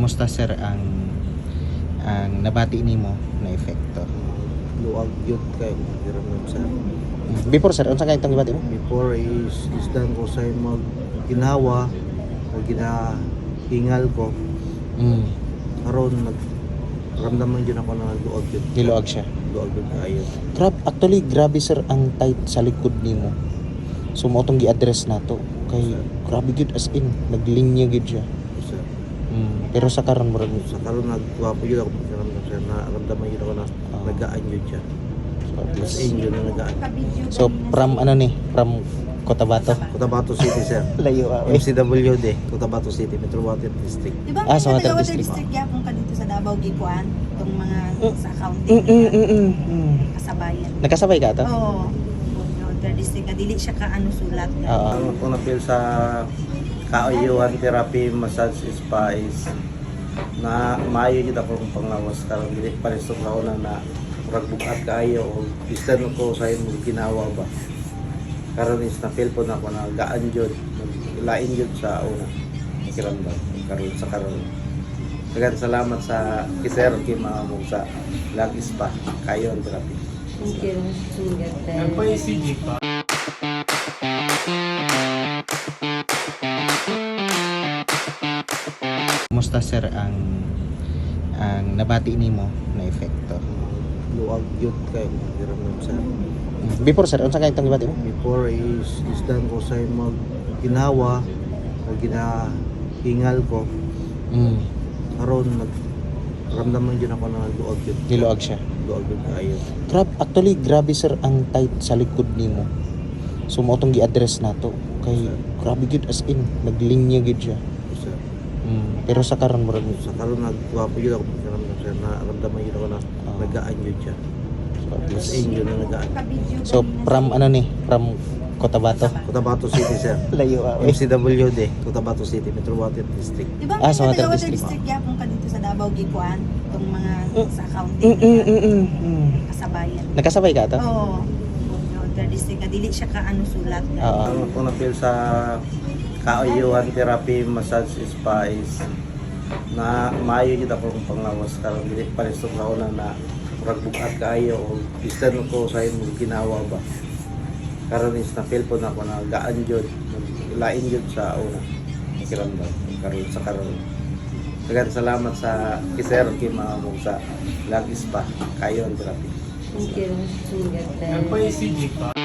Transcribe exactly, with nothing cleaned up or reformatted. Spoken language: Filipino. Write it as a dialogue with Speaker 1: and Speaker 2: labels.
Speaker 1: Kumusta sir ang ang nabati nimo na epekto?
Speaker 2: Luwag yun kayo hiram sa
Speaker 1: Before sir, unsa kay itong gibati mo?
Speaker 2: before is isdan ko sa mag ginawa o ginahingal ko
Speaker 1: Mm.
Speaker 2: karon nag ramdaman yun ako na luwag yun
Speaker 1: Niluag siya.
Speaker 2: luwag yun kayo
Speaker 1: Grab, actually grabe sir ang tight sa likod nimo. So mo tong gi-address nato kay grabe gid as in naglinya gid siya.
Speaker 2: sir.
Speaker 1: Mm. Pero sa karon murag
Speaker 2: Sa karon nagwapo yun ako ramdam sir na ramdaman yun ako na
Speaker 1: Ah.
Speaker 2: nagaan yun siya
Speaker 1: so, at
Speaker 2: mas
Speaker 1: least.
Speaker 2: inyo na nagaan
Speaker 1: So from ano ni? From Cotabato.
Speaker 2: Cotabato City sir
Speaker 1: Layo ah.
Speaker 2: M C W D Cotabato City Metropolitan District.
Speaker 3: Di ba
Speaker 1: Ah,
Speaker 3: may
Speaker 1: sa Water
Speaker 3: Water
Speaker 1: District.
Speaker 3: District yapon ka dito sa Davao Gikuan? Itong mga sa accounting
Speaker 1: Mm, mm, mm, mm, mm.
Speaker 3: kasabayan.
Speaker 1: Nakasabay ka to?
Speaker 3: Oo. Water District. Dili siya ka ano sulat.
Speaker 1: Oo.
Speaker 2: Ang ako na-feel sa kaayuhan therapy massage spa is na maayo gid ako kung panglawas karon dili pa rin sa una na murag bugat kaayo o bistan ko sa imong ginawa ba karon is na feel po na ako na gaan jud lain jud sa una kiramdam karon sa karon dagan salamat sa kiser kay maamong sa Lag Spa kayo ang therapy.
Speaker 4: Thank you. Ingat din.
Speaker 5: Yan pa yung C G pa.
Speaker 1: Kumusta sir ang ang nabati nimo na epekto?
Speaker 2: Luwag yun kayo hiram sa
Speaker 1: Before sir, unsa kay itong gibati mo?
Speaker 2: before is isdan ko sa mag ginawa o ginahingal ko
Speaker 1: Mm.
Speaker 2: karon nag ramdaman yun ako na luwag yun
Speaker 1: Niluag siya.
Speaker 2: luwag yun kayo
Speaker 1: Grab, actually grabe sir ang tight sa likod nimo. So mo tong gi-address nato kay grabe gid as in naglinya gid siya.
Speaker 2: sir.
Speaker 1: Mm. Pero sa karon murag
Speaker 2: Sa karon nagwapo yun ako ramdam sir na ramdaman yun ako na
Speaker 1: Ah.
Speaker 2: nagaan yun siya
Speaker 1: so, at
Speaker 2: mas
Speaker 1: least.
Speaker 2: inyo na nagaan
Speaker 1: So from ano ni? From Cotabato.
Speaker 2: Cotabato City sir
Speaker 1: Layo ah.
Speaker 2: M C W D Cotabato City Metropolitan District.
Speaker 3: Di ba
Speaker 1: Ah,
Speaker 3: may
Speaker 1: sa Water
Speaker 3: Water
Speaker 1: District.
Speaker 3: District yapon ka dito sa Davao Gikuan? Itong mga sa
Speaker 1: Mm,
Speaker 3: accounting
Speaker 1: mm, mm, mm, mm.
Speaker 3: kasabayan.
Speaker 1: Nakasabay ka to?
Speaker 3: Oo. Water District. Dili siya ka ano sulat.
Speaker 1: Oo.
Speaker 2: Ang ako na-feel sa kaayuhan therapy massage spa is na maayo gid ako kung panglawas karon dili pa rin sa una na murag bugat kaayo o bistan ko sa imong ginawa ba karon is na feel po na ako na gaan jud lain jud sa una kiramdam karon sa karon dagan salamat sa kiser kay maamong sa Lag Spa kayo ang therapy.
Speaker 4: Thank you. Ingat din.
Speaker 5: Yan pa yung C G pa.